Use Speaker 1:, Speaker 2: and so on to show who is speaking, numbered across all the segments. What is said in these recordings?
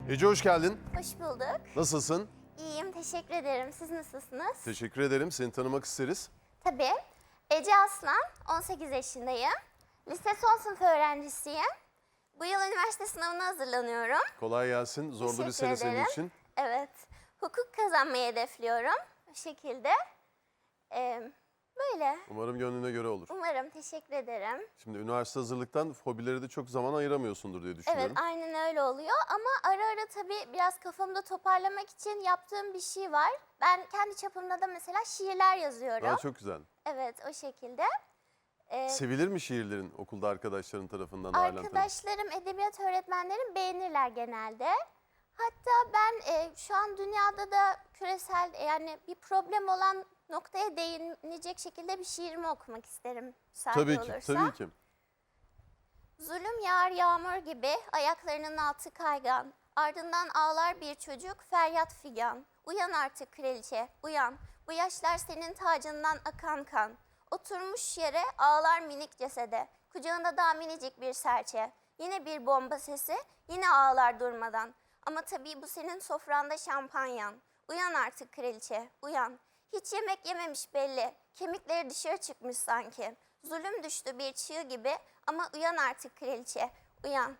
Speaker 1: Ece hoş geldin.
Speaker 2: Hoş bulduk.
Speaker 1: Nasılsın?
Speaker 2: İyiyim, teşekkür ederim. Siz nasılsınız?
Speaker 1: Teşekkür ederim. Seni tanımak isteriz.
Speaker 2: Tabii. Ece Aslan, 18 yaşındayım. Lise son sınıf öğrencisiyim. Bu yıl üniversite sınavına hazırlanıyorum.
Speaker 1: Kolay gelsin. Zorlu bir
Speaker 2: Teşekkür
Speaker 1: sene senin
Speaker 2: ederim.
Speaker 1: için.
Speaker 2: Evet. Hukuk kazanmayı hedefliyorum. Bu şekilde. Böyle.
Speaker 1: Umarım gönlüne göre olur.
Speaker 2: Umarım, teşekkür ederim.
Speaker 1: Şimdi üniversite hazırlıktan hobilere de çok zaman ayıramıyorsundur diye düşünüyorum.
Speaker 2: Evet, aynen öyle oluyor ama ara ara tabii biraz kafamda toparlamak için yaptığım bir şey var. Ben kendi çapımda da mesela şiirler yazıyorum.
Speaker 1: Aa, çok güzel.
Speaker 2: Evet, o şekilde.
Speaker 1: Sevilir mi şiirlerin okulda arkadaşların tarafından? Ailen tarafından?
Speaker 2: Arkadaşlarım, edebiyat öğretmenlerim beğenirler genelde. Hatta ben şu an dünyada da küresel yani bir problem olan noktaya değinecek şekilde bir şiirimi okumak isterim.
Speaker 1: Tabii ki,
Speaker 2: Olursa.
Speaker 1: tabii ki.
Speaker 2: Zulüm yağar yağmur gibi, ayaklarının altı kaygan. Ardından ağlar bir çocuk, feryat figan. Uyan artık kraliçe, uyan. Bu yaşlar senin tacından akan kan. Oturmuş yere ağlar minik cesede. Kucağında daha minicik bir serçe. Yine bir bomba sesi, yine ağlar durmadan. Ama tabii bu senin sofranda şampanyan. Uyan artık kraliçe, uyan. Hiç yemek yememiş belli. Kemikleri dışarı çıkmış sanki. Zulüm düştü bir çığ gibi ama uyan artık kraliçe, uyan.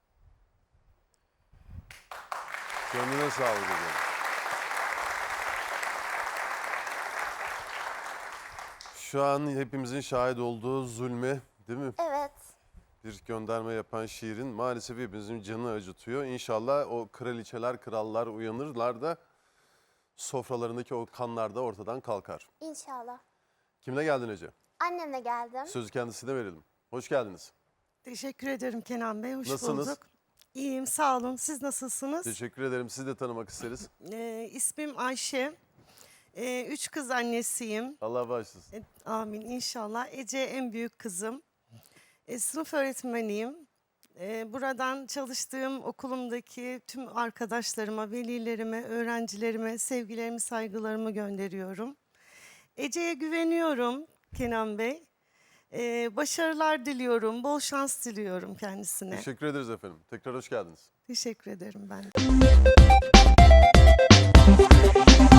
Speaker 1: Gönlüne sağlık hocam. Şu an hepimizin şahit olduğu zulme, değil mi?
Speaker 2: Evet,
Speaker 1: Bir gönderme yapan şiirin maalesef hepimizin canı acıtıyor. İnşallah o kraliçeler, krallar uyanırlar da sofralarındaki o kanlar da ortadan kalkar.
Speaker 2: inşallah.
Speaker 1: Kimle geldin Ece?
Speaker 2: Annemle geldim.
Speaker 1: Sözü kendisine verelim. Hoş geldiniz.
Speaker 3: Teşekkür ederim Kenan Bey. Hoş
Speaker 1: Nasılsınız?
Speaker 3: bulduk. İyiyim, sağ olun. Siz nasılsınız?
Speaker 1: Teşekkür ederim. Sizi de tanımak isteriz.
Speaker 3: İsmim Ayşe. 3 kız annesiyim.
Speaker 1: Allah bağışlasın.
Speaker 3: Amin inşallah. Ece en büyük kızım. Sınıf öğretmeniyim. Buradan çalıştığım okulumdaki tüm arkadaşlarıma, velilerime, öğrencilerime sevgilerimi, saygılarımı gönderiyorum. Ece'ye güveniyorum Kenan Bey. Başarılar diliyorum, bol şans diliyorum kendisine.
Speaker 1: Teşekkür ederiz efendim. Tekrar hoş geldiniz.
Speaker 3: Teşekkür ederim ben de.